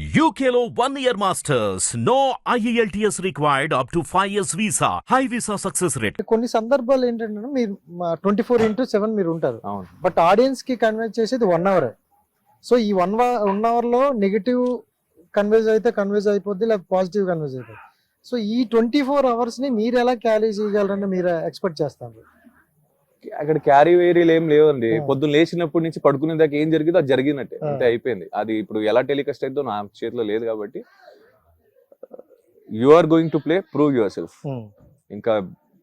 UKLO 1 year masters. No IELTS required up to 5 years visa. High visa success rate. కొన్ని సందర్భాలు ఏంటంటే మీరు 24/7 మీరు ఉంటారు, అవును. బట్ ఆడియన్స్ కి కన్వే చేసేది 1 అవర్. సో ఈ 1 అవర్ లో నెగిటివ్ కన్వేజ్ అయితే కన్వేజ్ అయిపోద్ది, లేదా పాజిటివ్ కన్వేజ్ అయిపోద్ది. సో ఈ 24 అవర్స్ ని మీరు ఎలా క్యారీ చేయగలరని మీరు ఎక్స్పెక్ట్ చేస్తారు? అక్కడ క్యారీ వేరీలు ఏం లేవండి. పొద్దున్న లేచినప్పటి నుంచి పడుకునే దాకా ఏం జరిగిందో అది జరిగినట్టే, అంతే అయిపోయింది. అది ఇప్పుడు ఎలా టెలికాస్ట్ అయిందో నా చేతిలో లేదు కాబట్టి you are going to play, prove your self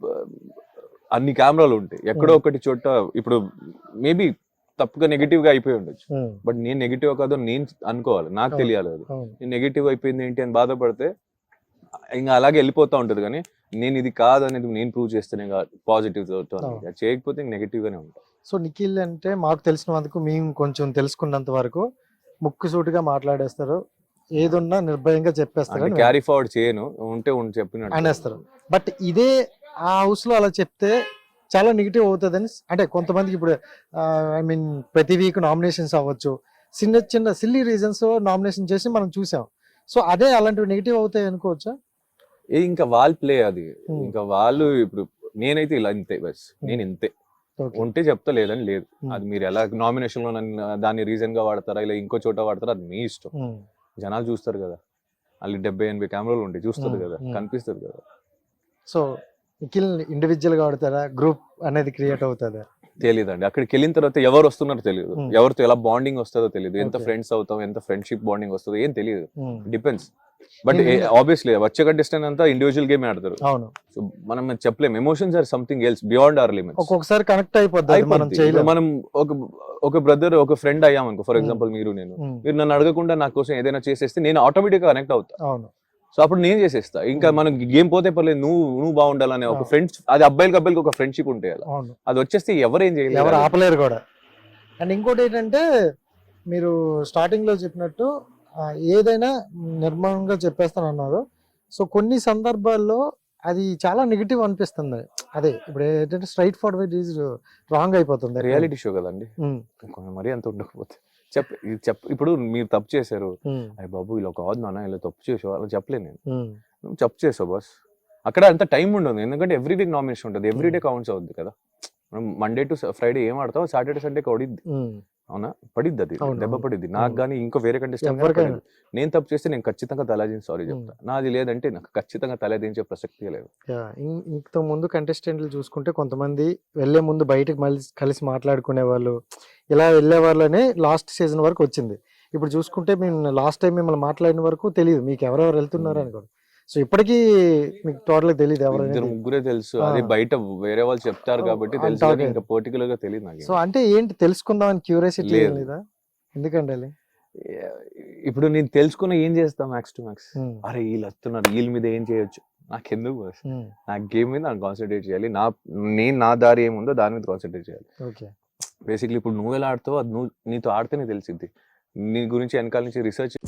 అన్ని కెమెరాలు ఉంటాయి, ఎక్కడో ఒకటి చోట ఇప్పుడు మేబీ తప్పుగా నెగిటివ్ గా అయిపోయి ఉండొచ్చు, బట్ నేను నెగిటివ్ కాదో నేను అనుకోవాలి, నాకు తెలియాలి. అది నేను నెగిటివ్ అయిపోయింది ఏంటి అని బాధపడితే ఇంకా అలాగే వెళ్ళిపోతా ఉంటది. కానీ నేను ఇది కాదు అనేది నేను ప్రూవ్ చేస్తేనే పాజిటివ్ చేయకపోతే నెగిటివ్ గానే ఉంటాను. సో నిఖిల్ అంటే మాకు తెలిసినందుకు, మేము కొంచెం తెలుసుకున్నంత వరకు ముక్కు సూటిగా మాట్లాడేస్తారు, ఏదున్నా నిర్భయంగా చెప్పేస్తారు, క్యారీ ఫార్వర్డ్ చేయను, ఉంటే చెప్పినట్టు అనేస్తారు. బట్ ఇదే ఆ హౌస్ లో అలా చెప్తే చాలా నెగిటివ్ అవుతుందని, అంటే కొంతమందికి ఇప్పుడు ఐ మీన్ ప్రతి వీక్ నామినేషన్స్ అవ్వచ్చు, చిన్న చిన్న సిల్లీ రీజన్స్ నామినేషన్ చేసి మనం చూసాం. సో అదే అలాంటివి నెగిటివ్ అవుతాయి అనుకోవచ్చా? ఇంకా వాళ్ళ ప్లే అది. ఇంకా వాళ్ళు ఇప్పుడు నేనైతే ఇలా ఇంతే, బస్ నేను ఇంతే ఉంటే చెప్తా, లేదని లేదు. అది మీరు ఎలా నామినేషన్ లో దాన్ని రీజన్ గా వాడతారా, ఇలా ఇంకో చోట వాడతారా, అది మీ ఇష్టం. జనాలు చూస్తారు కదా, వాళ్ళు 70-80 కెమెరాలు ఉంటాయి, చూస్తారు కదా, కనిపిస్తుంది కదా. సో నిఖిల్ ఇండివిజువల్ గా ఆడతారా, గ్రూప్ అనేది క్రియేట్ అవుతుందా? తెలియదండి. అక్కడికి వెళ్ళిన తర్వాత ఎవరు వస్తున్నారో తెలియదు, ఎవరితో ఎలా బాండింగ్ వస్తుందో తెలియదు, ఎంత ఫ్రెండ్స్ అవుతాం, ఎంత ఫ్రెండ్షిప్ బాండింగ్ వస్తుందో ఏం తెలియదు, డిపెండ్స్. బట్ ఆబ్వియస్లీ వచ్చే కంటెస్టెంట్ అంతా ఇండివిజువల్ గేమ్ ఆడతారు. అవును. సో మనం చెప్పలేం, emotions are something else beyond our limits. ఒక్కొక్కసారి కనెక్ట్ అయిపోద్ది. మనం ఒక బ్రదర్, ఒక ఫ్రెండ్ అయ్యామనుకో, ఫర్ ఎగ్జాంపుల్ మీరు నన్ను అడగకుండా నా కోసం ఏదైనా చేసేస్తే నేను ఆటోమేటిక్ గా కనెక్ట్ అవుతా. అవును. సో అప్పుడు నేను చేసేస్తా. ఇంకా మనం గేమ్ పోతే పర్లేదు, నువ్వు బాగుండాలనే ఒక ఫ్రెండ్స్, అది అబ్బాయిలకి ఒక ఫ్రెండ్షిప్ ఉంటే అది వచ్చేస్తే ఎవరేం చేయలేరు, ఎవరు ఆపలేరు కూడా. అండ్ ఇంకోటి ఏంటంటే మీరు స్టార్టింగ్ లో చెప్పినట్టు ఏదైనా నిర్మాణంగా చెప్పేస్తాను అన్నారు. సో కొన్ని సందర్భాల్లో అది చాలా నెగిటివ్ అనిపిస్తుంది. అదే ఇప్పుడు ఏంటంటే స్ట్రైట్ ఫార్వర్డ్ ఈజ్ రాంగ్ అయిపోతుంది. రియాలిటీ షో కదండి, మరీ అంత ఉండకపోతే ఇప్పుడు మీరు తప్పు చేశారు, అయ్య బాబు ఇలా కాదు నాన్న, ఇలా తప్పు చేసావు అలా చెప్పలేను నేను. నువ్వు తప్పు చేసావు బస్, అక్కడ అంత టైం ఉండదు. ఎందుకంటే ఎవ్రీ వీక్ నామినేషన్ ఉంటుంది, ఎవ్రీ డే కౌంట్స్ అవుద్ది కదా. మనం మండే టు ఫ్రైడే ఏం ఆడతావు, సాటర్డే సండే పడిద్ది, అవునా, పడిద్ది, అది దెబ్బ పడిద్ది. నాకు కానీ ఇంకో వేరే కంటెస్టెంట్ నేను తప్పు చేస్తే నేను ఖచ్చితంగా తలదించి సారీ చెప్తా. నాది లేదంటే నాకు ఖచ్చితంగా తలదించే ప్రసక్తి లేదు. ఇంత ముందు కంటెస్టెంట్లు చూసుకుంటే కొంతమంది వెళ్లే ముందు బయటకు కలిసి మాట్లాడుకునే వాళ్ళు, ఇలా వెళ్లే వాళ్ళనే లాస్ట్ సీజన్ వరకు వచ్చింది. ఇప్పుడు చూసుకుంటే మేము లాస్ట్ టైం మిమ్మల్ని మాట్లాడిన వరకు తెలియదు మీకు ఎవరెవరు వెళ్తున్నారు అని కూడా. సో ఇప్పటికీ మీకు టోటల్ తెలియదు, ఎవరైనా ముగ్గురే తెలుసు. అది బయట వేరే వాళ్ళు చెప్తారు కాబట్టి తెలుసు, ఇంకా పర్టికులర్ గా తెలియదు నాకు. సో అంటే ఏంటి తెలుసుకుందాం అని క్యూరియాసిటీ లేదా? ఎందుకంటే ఇప్పుడు నేను తెలుసుకున్న ఏం చేస్తా, మ్యాక్స్ టు మ్యాక్స్, అరే వీళ్ళు వస్తున్నారు, వీళ్ళ మీద ఏం చేయొచ్చు, నాకెందుకు, నా గేమ్ మీద నాకు కాన్సన్ట్రేట్ చేయాలి, నా దారి ఏముందో దాని మీద కాన్సన్ట్రేట్ చేయాలి. బేసిక్లీ ఇప్పుడు నువ్వు ఎలా ఆడుతావో అది నీతో ఆడితేనే తెలిసింది. నీ గురించి వెనకాల నుంచి రీసెర్చ్